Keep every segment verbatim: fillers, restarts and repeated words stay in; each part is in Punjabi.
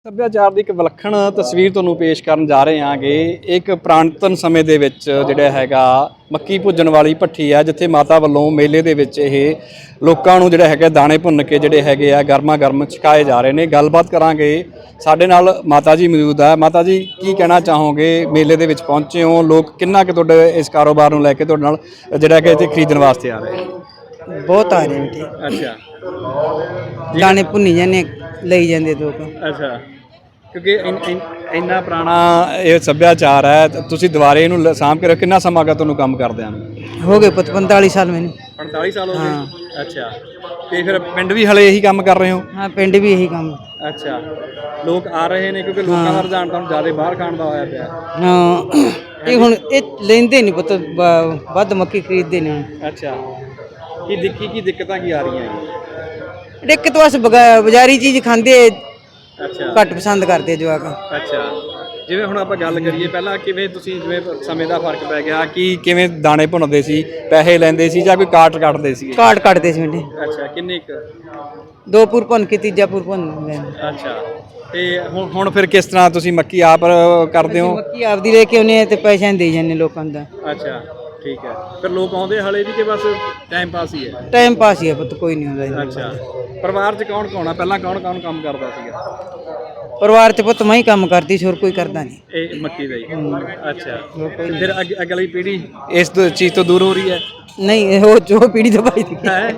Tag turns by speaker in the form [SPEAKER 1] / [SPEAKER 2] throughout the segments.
[SPEAKER 1] ਸੱਭਿਆਚਾਰ ਦੀ ਇੱਕ ਵਿਲੱਖਣ ਤਸਵੀਰ ਤੁਹਾਨੂੰ ਪੇਸ਼ ਕਰਨ ਜਾ ਰਹੇ ਹਾਂਗੇ। ਇੱਕ ਪੁਰਾਤਨ ਸਮੇਂ ਦੇ ਵਿੱਚ ਜਿਹੜਾ ਹੈਗਾ ਮੱਕੀ ਭੁੱਜਣ ਵਾਲੀ ਭੱਠੀ ਹੈ, ਜਿੱਥੇ ਮਾਤਾ ਵੱਲੋਂ ਮੇਲੇ ਦੇ ਵਿੱਚ ਇਹ ਲੋਕਾਂ ਨੂੰ ਜਿਹੜਾ ਹੈਗਾ ਦਾਣੇ ਭੁੰਨ ਕੇ ਜਿਹੜੇ ਹੈਗੇ ਆ ਗਰਮਾ ਗਰਮ ਛਕਾਏ ਜਾ ਰਹੇ ਨੇ। ਗੱਲਬਾਤ ਕਰਾਂਗੇ, ਸਾਡੇ ਨਾਲ ਮਾਤਾ ਜੀ ਮੌਜੂਦ ਹੈ। ਮਾਤਾ ਜੀ, ਕੀ ਕਹਿਣਾ ਚਾਹੋਗੇ? ਮੇਲੇ ਦੇ ਵਿੱਚ ਪਹੁੰਚੇ ਹੋ, ਲੋਕ ਕਿੰਨਾ ਕੁ ਤੁਹਾਡੇ ਇਸ ਕਾਰੋਬਾਰ ਨੂੰ ਲੈ ਕੇ ਤੁਹਾਡੇ ਨਾਲ ਜਿਹੜਾ ਕਿ ਇੱਥੇ ਖਰੀਦਣ ਵਾਸਤੇ ਆ ਰਹੇ?
[SPEAKER 2] ਬਹੁਤ ਆ ਰਹੇ ਬੇਟੇ।
[SPEAKER 1] ਅੱਛਾ,
[SPEAKER 2] ਦਾਣੇ ਭੁੰਨੀ ਜਾਂਦੇ ਲਈ ਜਾਂਦੇ ਲੋਕ।
[SPEAKER 1] ਅੱਛਾ, ਕਿਉਂਕਿ ਇੰਨਾ ਪੁਰਾਣਾ ਇਹ ਸੱਭਿਆਚਾਰ ਹੈ, ਤੁਸੀਂ ਦੁਬਾਰੇ ਇਹਨੂੰ ਸਾਂਭ ਕੇ ਰੱਖ। ਕਿੰਨਾ ਸਮਾਂ ਗਾ ਤੁਹਾਨੂੰ ਕੰਮ ਕਰਦਿਆਂ ਨੂੰ?
[SPEAKER 2] ਹੋ ਗਏ ਪੁੱਤ ਪੰਤਾਲੀ ਸਾਲ ਮੈਨੂੰ।
[SPEAKER 1] ਪੰਤਾਲੀ ਸਾਲ ਹੋ ਗਏ? ਅੱਛਾ, ਤੇ ਫਿਰ ਪਿੰਡ ਵੀ ਹਲੇ ਇਹੀ ਕੰਮ ਕਰ ਰਹੇ ਹੋ?
[SPEAKER 2] ਹਾਂ, ਪਿੰਡ ਵੀ ਇਹੀ ਕੰਮ।
[SPEAKER 1] ਅੱਛਾ, ਲੋਕ ਆ ਰਹੇ ਨੇ ਕਿਉਂਕਿ ਲੋਕਾਂ ਦਾ ਰੁਝਾਨ ਤਾਂ ਜ਼ਿਆਦਾ ਬਾਹਰ ਖਾਣ ਦਾ ਹੋਇਆ ਪਿਆ।
[SPEAKER 2] ਹਾਂ, ਇਹ ਹੁਣ ਇਹ ਲੈਂਦੇ ਨਹੀਂ ਪੁੱਤ, ਵੱਧ ਮੱਕੀ ਖਰੀਦਦੇ ਨੇ ਹੁਣ।
[SPEAKER 1] ਅੱਛਾ, ਕੀ ਦਿੱਕੀ ਕੀ ਦਿੱਕਤਾਂ ਕੀ ਆ ਰਹੀਆਂ?
[SPEAKER 2] ਦਿੱਕਤ ਬਸ ਬਾਜ਼ਾਰੀ ਚੀਜ਼ ਖਾਂਦੇ,
[SPEAKER 1] ਅੱਛਾ,
[SPEAKER 2] ਘੱਟ ਪਸੰਦ ਕਰਦੇ ਜਵਾਕ।
[SPEAKER 1] ਅੱਛਾ, ਜਿਵੇਂ ਹੁਣ ਆਪਾਂ ਗੱਲ ਕਰੀਏ ਪਹਿਲਾਂ, ਕਿਵੇਂ ਤੁਸੀਂ ਜਿਵੇਂ ਸਮੇਂ ਦਾ ਫਰਕ ਪੈ ਗਿਆ, ਕਿ ਕਿਵੇਂ ਦਾਣੇ ਭੁੰਨਦੇ ਸੀ? ਪੈਸੇ ਲੈਂਦੇ ਸੀ ਜਾਂ ਕੋਈ ਕਾਟ ਕੱਟਦੇ ਸੀ?
[SPEAKER 2] ਕਾਟ ਕੱਟਦੇ ਸੀ ਬੇਟੇ।
[SPEAKER 1] ਅੱਛਾ, ਕਿੰਨੇ ਕੁ?
[SPEAKER 2] ਦੋ ਪੁਰ ਭੁੰਨ ਕੇ ਤੀਜਾ ਪੁਰ ਭੁੰਨ ਲੈਂਦੇ।
[SPEAKER 1] ਅੱਛਾ, ਤੇ ਹੁਣ ਹੁਣ ਫਿਰ ਕਿਸ ਤਰ੍ਹਾਂ ਤੁਸੀਂ ਮੱਕੀ ਆਪ ਕਰਦੇ ਹੋ?
[SPEAKER 2] ਮੱਕੀ ਆਪਦੀ ਲੈ ਕੇ ਆਉਂਦੇ ਆ ਤੇ ਪੈਸੇ ਦੇ ਜਾਂਦੇ ਲੋਕਾਂ ਦਾ।
[SPEAKER 1] ਅੱਛਾ, ਠੀਕ ਹੈ। ਫਿਰ ਲੋਕ ਆਉਂਦੇ ਹਲੇ ਵੀ ਕਿ ਬਸ ਟਾਈਮ ਪਾਸ ਹੀ ਹੈ?
[SPEAKER 2] ਟਾਈਮ ਪਾਸ ਹੀ ਹੈ ਪੁੱਤ, ਕੋਈ ਨਹੀਂ ਹੁੰਦਾ।
[SPEAKER 1] ਅੱਛਾ, ਪਰਿਵਾਰ 'ਚ ਕੌਣ ਕੌਣ ਆ? ਪਹਿਲਾਂ ਕੌਣ ਕੌਣ ਕੰਮ ਕਰਦਾ ਸੀਗਾ
[SPEAKER 2] ਪਰਿਵਾਰ 'ਚ ਪੁੱਤ ਮੈਂ ਹੀ ਕੰਮ ਕਰਦੀ ਸੀ, ਹੋਰ ਕੋਈ ਕਰਦਾ ਨਹੀਂ।
[SPEAKER 1] ਇਹ ਮੱਕੀ ਦਾ ਹੀ? ਅੱਛਾ, ਤੇ ਫਿਰ ਅੱਗੇ ਅਗਲੀ ਪੀੜ੍ਹੀ ਇਸ ਤੋਂ ਚੀਜ਼ ਤੋਂ ਦੂਰ ਹੋ ਰਹੀ ਹੈ?
[SPEAKER 2] ਨਹੀਂ, ਉਹ ਜੋ ਪੀੜੀ ਤੋਂ ਭਾਈ ਦੀ
[SPEAKER 1] ਹੈ।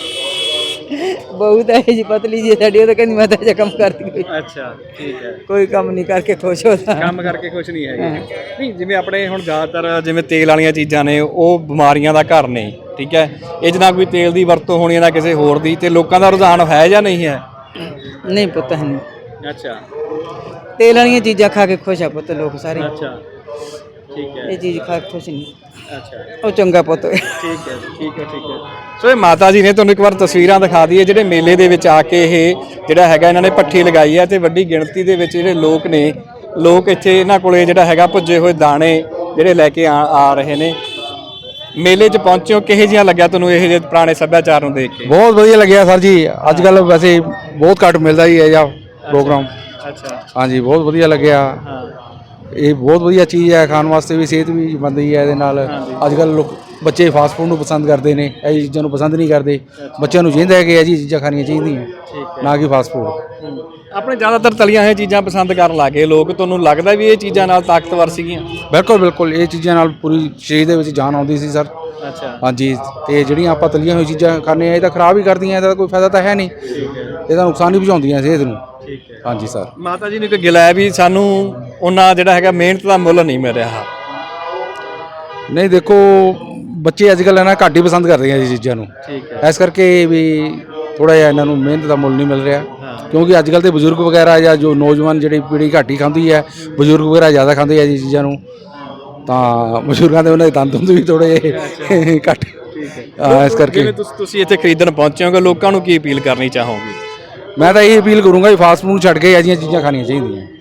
[SPEAKER 2] ਬਹੁਤ ਹੈ ਜੀ, ਪਤਲੀ ਜੀ ਸਾਡੀ, ਉਹ ਤਾਂ ਕਹਿੰਦੀ ਮੈਂ ਤਾਂ ਇਹ ਕੰਮ ਕਰਦੀ ਕੋਈ।
[SPEAKER 1] ਅੱਛਾ, ਠੀਕ ਹੈ।
[SPEAKER 2] ਕੋਈ ਕੰਮ ਨਹੀਂ ਕਰਕੇ ਖੁਸ਼ ਹੁੰਦਾ।
[SPEAKER 1] ਕੰਮ ਕਰਕੇ ਖੁਸ਼ ਨਹੀਂ ਹੈਗੇ? ਨਹੀਂ, ਜਿਵੇਂ ਆਪਣੇ ਹੁਣ ਜ਼ਿਆਦਾਤਰ ਜਿਵੇਂ ਤੇਲ ਵਾਲੀਆਂ ਚੀਜ਼ਾਂ ਨੇ, ਉਹ ਬਿਮਾਰੀਆਂ ਦਾ ਘਰ ਨੇ, ਠੀਕ ਹੈ। ਇਹ 'ਚ ਨਾ ਕੋਈ ਤੇਲ ਦੀ ਵਰਤੋਂ ਹੋਣੀ ਨਾ ਕਿਸੇ ਹੋਰ ਦੀ, ਤੇ ਲੋਕਾਂ ਦਾ ਰੁਝਾਨ ਹੈ ਜਾਂ ਨਹੀਂ ਹੈ?
[SPEAKER 2] ਨਹੀਂ ਪੁੱਤ, ਹੈ ਨਹੀਂ।
[SPEAKER 1] ਅੱਛਾ,
[SPEAKER 2] ਤੇਲ ਵਾਲੀਆਂ ਚੀਜ਼ਾਂ ਖਾ ਕੇ ਖੁਸ਼ ਆ ਪੁੱਤ ਲੋਕ ਸਾਰੇ।
[SPEAKER 1] ਅੱਛਾ, ਠੀਕ ਹੈ।
[SPEAKER 2] ਇਹ ਚੀਜ਼ ਖਾ ਕੇ ਖੁਸ਼ ਨਹੀਂ।
[SPEAKER 1] ਅੱਛਾ,
[SPEAKER 2] ਉਹ ਚੰਗਾ ਪੁੱਤ।
[SPEAKER 1] ਠੀਕ ਹੈ, ਠੀਕ ਹੈ, ਠੀਕ ਹੈ। ਸੋ ਇਹ ਮਾਤਾ ਜੀ ਨੇ ਤੁਹਾਨੂੰ ਇੱਕ ਵਾਰ ਤਸਵੀਰਾਂ ਦਿਖਾ ਦਈਏ, ਜਿਹੜੇ ਮੇਲੇ ਦੇ ਵਿੱਚ ਆ ਕੇ ਇਹ ਜਿਹੜਾ ਹੈਗਾ ਇਹਨਾਂ ਨੇ ਭੱਠੀ ਲਗਾਈ ਹੈ, ਤੇ ਵੱਡੀ ਗਿਣਤੀ ਦੇ ਵਿੱਚ ਜਿਹੜੇ ਲੋਕ ਨੇ, ਲੋਕ ਇੱਥੇ ਇਹਨਾਂ ਕੋਲੇ ਜਿਹੜਾ ਹੈਗਾ ਭੁੱਜੇ ਹੋਏ ਦਾਣੇ ਜਿਹੜੇ ਲੈ ਕੇ ਆ ਆ ਰਹੇ ਨੇ। ਮੇਲੇ 'ਚ ਪਹੁੰਚੇ ਹੋ, ਕਿਹੋ ਜਿਹਾ ਲੱਗਿਆ ਤੁਹਾਨੂੰ ਇਹ ਜਿਹੇ ਪੁਰਾਣੇ ਸੱਭਿਆਚਾਰ ਨੂੰ ਦੇਖ ਕੇ?
[SPEAKER 3] ਬਹੁਤ ਵਧੀਆ ਲੱਗਿਆ ਸਰ ਜੀ। ਅੱਜ ਕੱਲ੍ਹ ਵੈਸੇ ਬਹੁਤ ਘੱਟ ਮਿਲਦਾ ਹੀ ਹੈ ਜਾਂ ਪ੍ਰੋਗਰਾਮ।
[SPEAKER 1] ਅੱਛਾ,
[SPEAKER 3] ਹਾਂਜੀ, ਬਹੁਤ ਵਧੀਆ ਲੱਗਿਆ।
[SPEAKER 1] ਹਾਂ,
[SPEAKER 3] ਇਹ ਬਹੁਤ ਵਧੀਆ ਚੀਜ਼ ਹੈ, ਖਾਣ ਵਾਸਤੇ ਵੀ, ਸਿਹਤ ਵੀ ਬਣਦੀ ਹੈ ਇਹਦੇ ਨਾਲ। ਅੱਜ ਕੱਲ੍ਹ ਲੋਕ ਬੱਚੇ ਫਾਸਟ ਫੂਡ ਨੂੰ ਪਸੰਦ ਕਰਦੇ ਨੇ, ਇਹ ਚੀਜ਼ਾਂ ਨੂੰ ਪਸੰਦ ਨਹੀਂ ਕਰਦੇ। ਬੱਚਿਆਂ ਨੂੰ ਚਾਹੀਦਾ ਹੈ ਕਿ ਇਹ ਜੀ ਚੀਜ਼ਾਂ ਖਾਣੀਆਂ ਚਾਹੀਦੀਆਂ, ਨਾ ਕਿ ਫਾਸਟ ਫੂਡ।
[SPEAKER 1] ਆਪਣੇ ਜ਼ਿਆਦਾਤਰ ਤਲੀਆਂ ਹੋਈਆਂ ਚੀਜ਼ਾਂ ਪਸੰਦ ਕਰਨ ਲੱਗੇ ਲੋਕ। ਤੁਹਾਨੂੰ ਲੱਗਦਾ ਵੀ ਇਹ ਚੀਜ਼ਾਂ ਨਾਲ ਤਾਕਤਵਰ ਸੀਗੀਆਂ?
[SPEAKER 3] ਬਿਲਕੁਲ ਬਿਲਕੁਲ, ਇਹ ਚੀਜ਼ਾਂ ਨਾਲ ਪੂਰੀ ਸਰੀਰ ਦੇ ਵਿੱਚ ਜਾਨ ਆਉਂਦੀ ਸੀ ਸਰ।
[SPEAKER 1] ਅੱਛਾ,
[SPEAKER 3] ਹਾਂਜੀ, ਤੇ ਜਿਹੜੀਆਂ ਆਪਾਂ ਤਲੀਆਂ ਹੋਈਆਂ ਚੀਜ਼ਾਂ ਖਾਂਦੇ ਆ, ਇਹ ਤਾਂ ਖਰਾਬ ਹੀ ਕਰਦੀਆਂ, ਇਹਦਾ ਕੋਈ ਫਾਇਦਾ ਤਾਂ ਹੈ ਨਹੀਂ।
[SPEAKER 1] ਠੀਕ ਹੈ,
[SPEAKER 3] ਇਹਦਾ ਨੁਕਸਾਨ ਹੀ ਪਹੁੰਚਾਉਂਦੀਆਂ ਸਿਹਤ ਨੂੰ।
[SPEAKER 1] ਠੀਕ ਹੈ।
[SPEAKER 3] ਹਾਂਜੀ ਸਰ।
[SPEAKER 1] ਮਾਤਾ ਜੀ ਨੇ ਇੱਕ ਗਿਲਾ ਹੈ ਵੀ ਸਾਨੂੰ ਉਹਨਾਂ ਜਿਹੜਾ ਹੈਗਾ ਮਿਹਨਤ ਦਾ ਮੁੱਲ ਨਹੀਂ ਮਿਲ ਰਿਹਾ।
[SPEAKER 3] ਨਹੀਂ, ਦੇਖੋ ਬੱਚੇ ਅੱਜ ਕੱਲ੍ਹ ਨਾ ਘੱਟ ਹੀ ਪਸੰਦ ਕਰਦੇ ਆ ਇਹ ਚੀਜ਼ਾਂ ਨੂੰ।
[SPEAKER 1] ਠੀਕ ਹੈ।
[SPEAKER 3] ਇਸ ਕਰਕੇ ਵੀ ਥੋੜ੍ਹਾ ਜਿਹਾ ਇਹਨਾਂ ਨੂੰ ਮਿਹਨਤ ਦਾ ਮੁੱਲ ਨਹੀਂ ਮਿਲ ਰਿਹਾ।
[SPEAKER 1] ਹਾਂ,
[SPEAKER 3] ਕਿਉਂਕਿ ਅੱਜ ਕੱਲ੍ਹ ਦੇ ਬਜ਼ੁਰਗ ਵਗੈਰਾ ਜਾਂ ਜੋ ਨੌਜਵਾਨ ਜਿਹੜੀ ਪੀੜ੍ਹੀ ਘੱਟ ਹੀ ਖਾਂਦੀ ਹੈ, ਬਜ਼ੁਰਗ ਵਗੈਰਾ ਜ਼ਿਆਦਾ ਖਾਂਦੇ ਆ ਇਹ ਚੀਜ਼ਾਂ ਨੂੰ, ਤਾਂ ਬਜ਼ੁਰਗਾਂ ਦੇ ਉਹਨਾਂ ਦੇ ਦੰਦ ਦੁੰਦ ਵੀ ਥੋੜ੍ਹੇ ਜਿਹੇ ਘੱਟ।
[SPEAKER 1] ਠੀਕ ਹੈ।
[SPEAKER 3] ਇਸ ਕਰਕੇ
[SPEAKER 1] ਜਿਵੇਂ ਤੁਸੀਂ ਤੁਸੀਂ ਇੱਥੇ ਖਰੀਦਣ ਪਹੁੰਚੇ ਹੋਗੇ, ਲੋਕਾਂ ਨੂੰ ਕੀ ਅਪੀਲ ਕਰਨੀ ਚਾਹੋਗੇ?
[SPEAKER 3] ਮੈਂ ਤਾਂ ਇਹ ਅਪੀਲ ਕਰੂੰਗਾ ਵੀ ਫਾਸਟ ਫੂਡ ਛੱਡ ਕੇ ਇਹ ਜਿਹੀਆਂ ਚੀਜ਼ਾਂ ਖਾਣੀਆਂ ਚਾਹੀਦੀਆਂ।